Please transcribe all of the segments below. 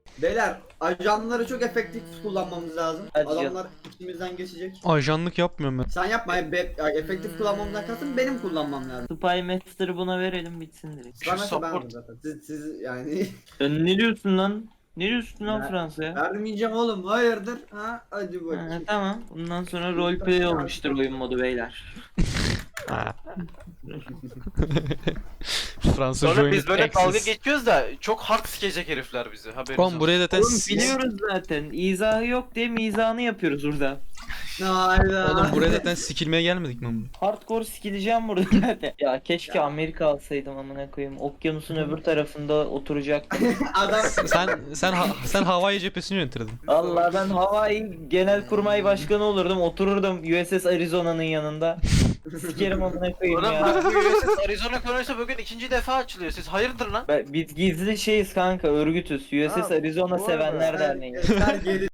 Beyler ajanları çok efektif kullanmamız lazım. Hadi Adamlar içimizden geçecek. Ajanlık yapmıyorum ben. Sen yapma efektif kullanmamdan kastım benim kullanmam lazım. Spy Master'ı buna verelim bitsin direkt. Ben support. zaten. Siz yani Sen ne diyorsun lan? Ne diyorsun lan Ben- Fransa'ya? vermeyeceğim oğlum hayırdır ha hadi Ha, bakayım. tamam. Bundan sonra roleplay olmuştur oyun modu beyler. Fransa Sonra joined biz böyle Axis. dalga geçiyoruz da çok hard sikecek herifler bizi. Haberiniz Oğlum olsun. buraya zaten Oğlum biliyoruz zaten. İzahı yok diye mizahını yapıyoruz burada. Hayda. Oğlum buraya zaten sikilmeye gelmedik mi? Hardcore skilleceğim burada zaten. Ya keşke Amerika alsaydım amına koyayım. Okyanusun öbür tarafında oturacaktım. Adam Sen Hawaii cephesini yönetirdin. Allah ben Hawaii Genelkurmay Başkanı olurdum. Otururdum USS Arizona'nın yanında. Sikerim amına koyayım Oğlum ya. bak bu USS Arizona konuysa bugün ikinci defa açılıyor. Siz hayırdır lan? Biz gizli şeyiz kanka, örgütüz. USS Ha, Arizona bu Sevenler arada- Derneği. Eser geri.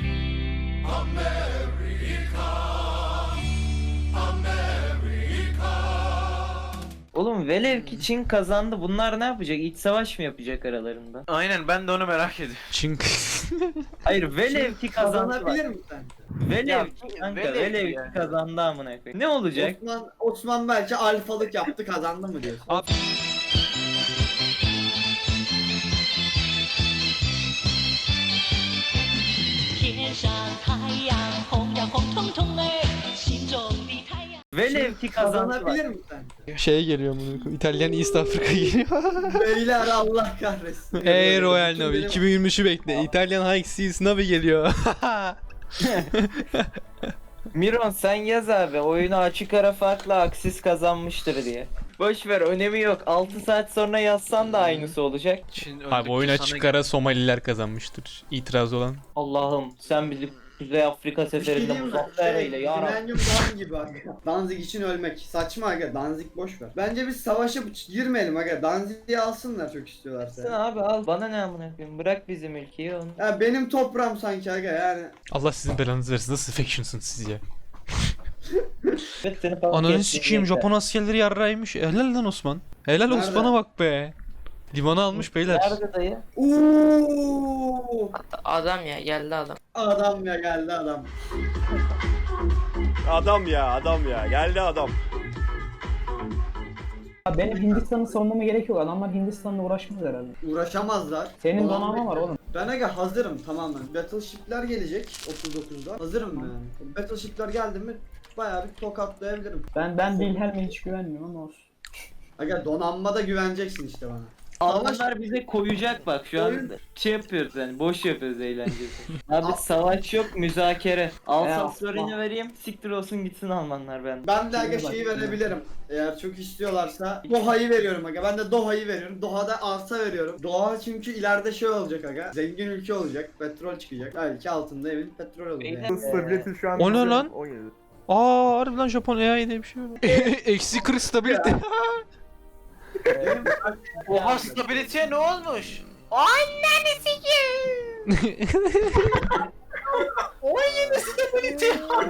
Oğlum velev ki Çin kazandı. Bunlar ne yapacak? İç savaş mı yapacak aralarında? Aynen ben de onu merak ediyorum. Çünkü Hayır velev ki kazandı. Kazanabilir Bak. mi sen? Velev Ya, ki kanka, velev velev yani. ki kazandı amına koyayım. Ne olacak? Osman belki alfalık yaptı kazandı mı diyorsun? Abi- Velev ki kazandı. Bak. Kazanabilir mi sen? şey geliyor bunu. İtalyan East Afrika geliyor. Beyler Allah kahretsin. Ey Royal Bütün Navy benim- 2023'ü bekle. İtalyan High Seas Navy geliyor. Miron sen yaz abi, oyunu açık ara farkla Aksis kazanmıştır diye. Boş ver, önemi yok. 6 saat sonra yazsan da aynısı olacak. Çin Abi öldükçe oyun sana açık ara Somaliler kazanmıştır. İtiraz olan. Allah'ım sen bizi Kuzey Afrika Bir şey seferinde diyeyim mi? muzaffer eyle ya Rabbi. Millennium Dawn gibi aga. Danzig için ölmek. Saçma aga. Danzig boş ver. Bence biz savaşa girmeyelim aga. Danzig'i alsınlar çok Sen istiyorlarsa. abi al, bana ne amına koyayım, bırak bizim ülkeyi onu. Ya benim toprağım sanki aga yani. Allah sizin belanızı versin. Nasıl faction'sınız siz ya? Evet, seni falan Ananı kestim, sikeyim, yeter. Japon askerleri yarraymış. Helal lan Osman. Helal Nerede? Osman'a bak be. Limanı almış beyler. Nerede dayı? Uuu. Adam ya geldi adam. Adam ya geldi adam. Adam ya geldi adam. Benim Hindistan'ı savunmama gerek yok. Adamlar Hindistan'la uğraşmaz herhalde. Uğraşamazlar. Senin Ulan donanma var oğlum. Ben aga hazırım tamamen. Battleship'ler gelecek 39'da. Hazırım yani. Battleship'ler geldi mi bayağı bir tokatlayabilirim. Ben Wilhelm'e hiç güvenmiyorum ama olsun. Aga donanmada güveneceksin işte bana. Almanlar bize koyacak bak şu an Oyun- şey yapıyoruz yani, boş yapıyoruz eğlencesi. Abi savaş yok, müzakere. Alsace-Lorraine'i vereyim, siktir olsun gitsin Almanlar ben. Ben de aga şeyi verebilirim. Eğer çok istiyorlarsa Doha'yı veriyorum aga. Ben de Doha'yı veriyorum. Doha'da arsa veriyorum. Doha çünkü ileride şey olacak aga. Zengin ülke olacak. Petrol çıkacak. Belki altında emin petrol olur yani. Stability şu an O ne bizim lan? 17. Aa harbiden Japon AI diye bir şey var. Eksi 40 stability. Oha stability'ye ne olmuş? Anneni sikeyim. Oy yine stability.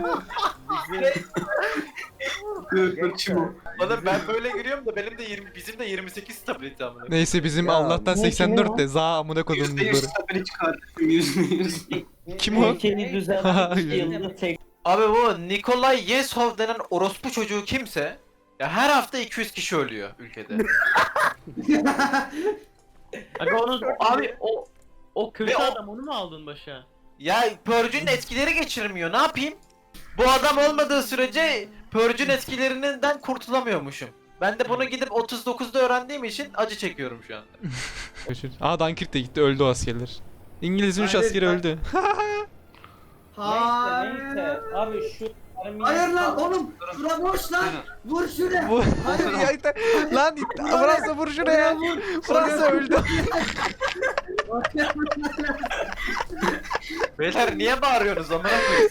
Bana ben böyle giriyorum da benim de 20 bizim de 28 stability amına. Neyse bizim Ya, Allah'tan ne 84 kimi de za amına koydum bunları. Kim o? Ülkeni düzenlemek yılda tek. Abi bu Nikolay Yesov denen orospu çocuğu kimse ya her hafta 200 kişi ölüyor ülkede. Aga onu abi o kötü Ve o- adam, onu mu aldın başa? Ya Purge'ün etkileri geçirmiyor. Ne yapayım? Bu adam olmadığı sürece Purge'ün etkilerinden kurtulamıyormuşum. Ben de bunu gidip 39'da öğrendiğim için acı çekiyorum şu anda. Aa Dunkirk de gitti, öldü o askerler. İngiliz'in 3 Hayır, askeri ben- öldü. Neyse abi şu Hayır lan oğlum. Şura boş lan. Vur şuraya. Bu- Hayır ya. Lan Fransa vur şuraya. Fransa öldü. Beyler niye bağırıyorsunuz amına koyayım?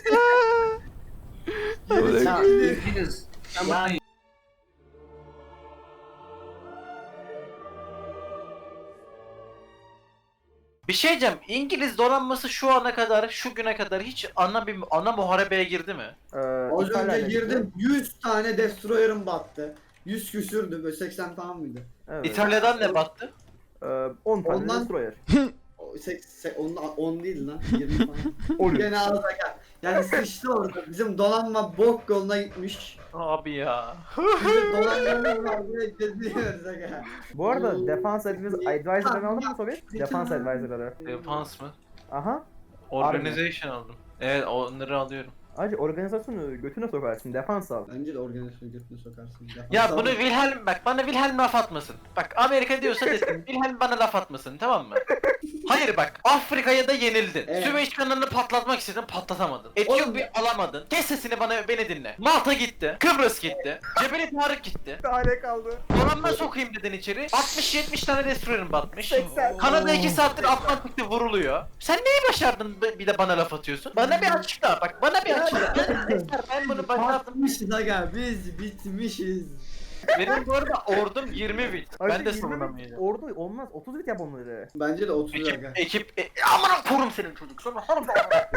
Bir şey diyeceğim. İngiliz donanması şu ana kadar, şu güne kadar hiç ana muharebeye girdi mi? Az İtalya'yla önce girdim. gitti. 100 tane destroyer'ım battı. 100 küsürdü böyle 80 falan mıydı? Evet. İtalya'dan ne battı? 10 tane Ondan- destroyer. 10 değil lan. 20 falan. Gene az aga. Yani sıçtı orada. Bizim donanma bok yoluna gitmiş. Abi ya. Bizim donanmamız var diye geziyoruz aga. Bu arada defans advisor'ını aldın mı Sovyet? Defans advisor'ları. Defans mı? Aha. Organization aldım. Evet onları alıyorum. Acı organizasyonu götüne sokarsın. Defans al. Bence de organizasyonu götüne sokarsın. Ya bunu Wilhelm bak bana Wilhelm laf atmasın. Bak Amerika diyorsa desin Wilhelm bana laf atmasın tamam mı? Hayır bak Afrika'ya da yenildin. Evet. Süveyş kanalını patlatmak istedin patlatamadın. Etiyopya alamadın. Kes sesini beni dinle. Malta gitti. Kıbrıs gitti. Cebeli Tarık gitti. Tane kaldı. Donanma sokayım dedin içeri. 60-70 tane destroyer'ın batmış. 80. Kanada 2 saattir Atlantik'te vuruluyor. Sen neyi başardın bir de bana laf atıyorsun? Bana bir açıkla bak bana bir açıkla. Ben bunu başardım. Bitmişiz aga biz bitmişiz. Benim bu arada ordum 20 bit. Ben Acı de 20 savunamayacağım. Ordu olmaz. 30 bit yap onları. Bence de 30 aga. Amına korum senin çocuk. Sana harbi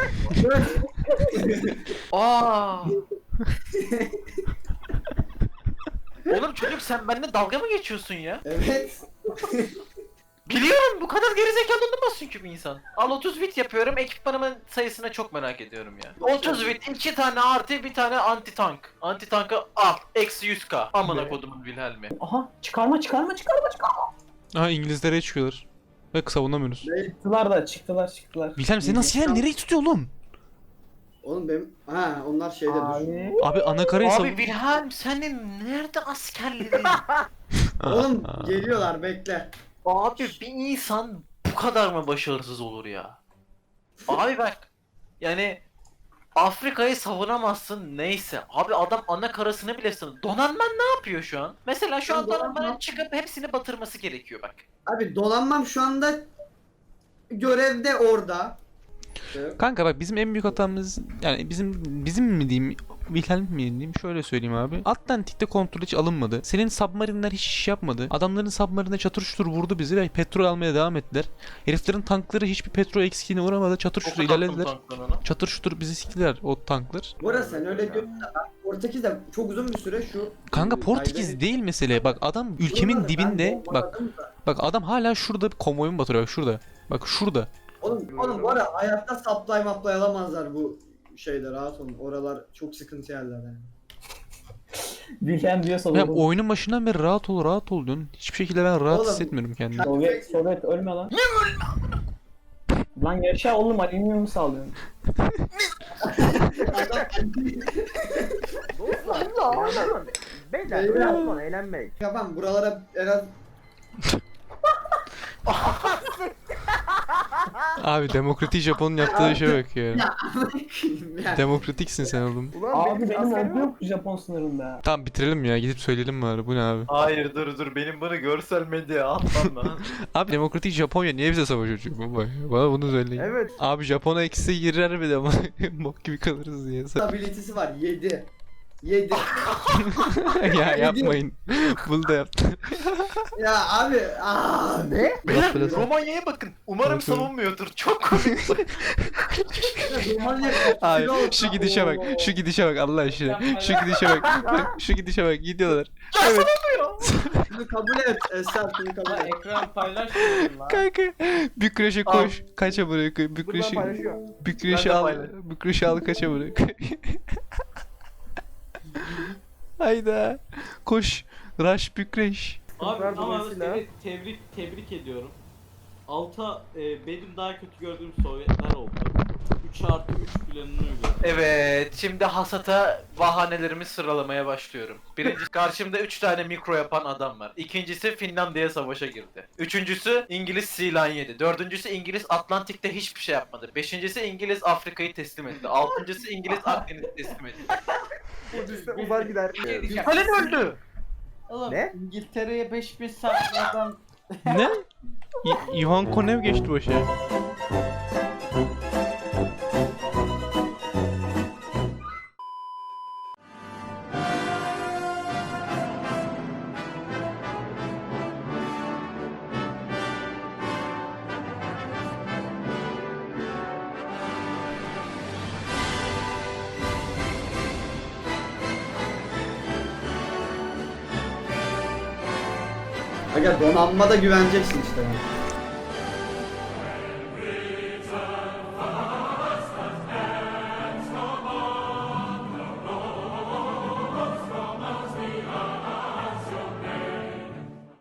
Aa. Oğlum çocuk sen benimle dalga mı geçiyorsun ya? Evet. Biliyorum bu kadar gerizekalı olamazsın ki bir insan. Al 30 bit yapıyorum ekipmanımın sayısına çok merak ediyorum ya. 30 bit 2 tane artı bir tane anti tank. Anti tankı al eksi 100k. Amına kodumun Wilhelm'i. Aha çıkarma. Aha İngilizlere çıkıyorlar. Ve savunamıyoruz. Çıktılar. Wilhelm seni nasıl yer? Nereye tutuyor oğlum? Oğlum benim onlar şeyde dur. Abi. Abi anakarayı Abi Wilhelm senin nerede askerlerin? Oğlum geliyorlar bekle. Abi bir insan bu kadar mı başarısız olur ya? Abi bak yani Afrika'yı savunamazsın neyse. Abi adam ana karasını bile savun. Donanman ne yapıyor şu an? Mesela şu an donanmanın çıkıp hepsini batırması gerekiyor bak. Abi donanmam şu anda görevde orada. Kanka bak bizim en büyük hatamız yani bizim mi diyeyim Wilhelm mi diyeyim şöyle söyleyeyim abi. Atlantik'te kontrol hiç alınmadı. Senin submarinler hiç iş yapmadı. Adamların submarine çatır çutur vurdu bizi ve petrol almaya devam ettiler. Heriflerin tankları hiçbir petrol eksikliğine uğramadı. Çatır çutur ilerlediler. Çatır çutur bizi siktiler o tanklar. Bu arada sen öyle diyorsun da ben Portekiz'de çok uzun bir süre şu... Kanka Portekiz değil mesele. Bak adam ülkemin Buraları ben dibinde bak bombaladım da. bak adam hala şurada bir konvoyumu batırıyor bak şurada. Bak şurada. Oğlum bu arada hayatta supply maplay alamazlar bu şeyde rahat olun. Oralar çok sıkıntı yerler yani. Wilhelm diyorsa Ya doğru. oyunun başından beri rahat ol diyorsun. Hiçbir şekilde ben rahat Oğlum, hissetmiyorum kendimi. Sovyet ölme lan. Lan yaşa oğlum alüminyum sağlıyorsun. Dostlar. Beyler öyle yapma eğlenmek. Yapan buralara en az Abi demokratik Japon'un yaptığı şey bak ya. yani. Demokratiksin sen oğlum. Ulan Abi benim askerim ordu yok Japon sınırında. Tamam bitirelim ya gidip söyleyelim bari bu ne abi. Hayır dur benim bunu görsel medyaya atmam lazım. Abi demokratik Japonya niye bize savaş açıyor baba ya? Bana bunu söyleyin. Evet. Abi Japon'a eksi girer bir de ama bok gibi kalırız diye. Stabilitesi var 7. 7. Ya yapmayın. Bunu da yaptı. Ya abi ne? Beyler Biraz- Romanya'ya bakın. Umarım Bakın. savunmuyordur. Çok komik. Abi şu gidişe bak. Şu gidişe bak Allah aşkına. Şu gidişe bak. Bak şu gidişe bak gidiyorlar. Evet. Şunu kabul et Esra şunu kabul et. Ekran paylaşmıyorum lan. Kanka. Bükreş'e koş. Kaça bırak. Buradan Bükreş'i. paylaşıyor. Bükreş'i Ben de al. paylaş- Bükreş'i al kaça bırak. Hayda. Koş. Rush Bükreş. Abi Kızlar ama dolayısıyla- seni tebrik ediyorum. Alta benim daha kötü gördüğüm Sovyetler oldu. 3+3 planını uyguladı. Evet, şimdi hasata bahanelerimi sıralamaya başlıyorum. Birincisi karşımda 3 tane mikro yapan adam var. İkincisi Finlandiya savaşa girdi. Üçüncüsü İngiliz Sea Lion yedi. Dördüncüsü İngiliz Atlantik'te hiçbir şey yapmadı. Beşincisi İngiliz Afrika'yı teslim etti. Altıncısı İngiliz Akdeniz'i teslim etti. Bu liste uzar gider. Stalin öldü. Oğlum Ne? İngiltere'ye 5000 sakladan Ne? Ivan Konev geçti başa. Aga donanmada güveneceksin işte. Yani.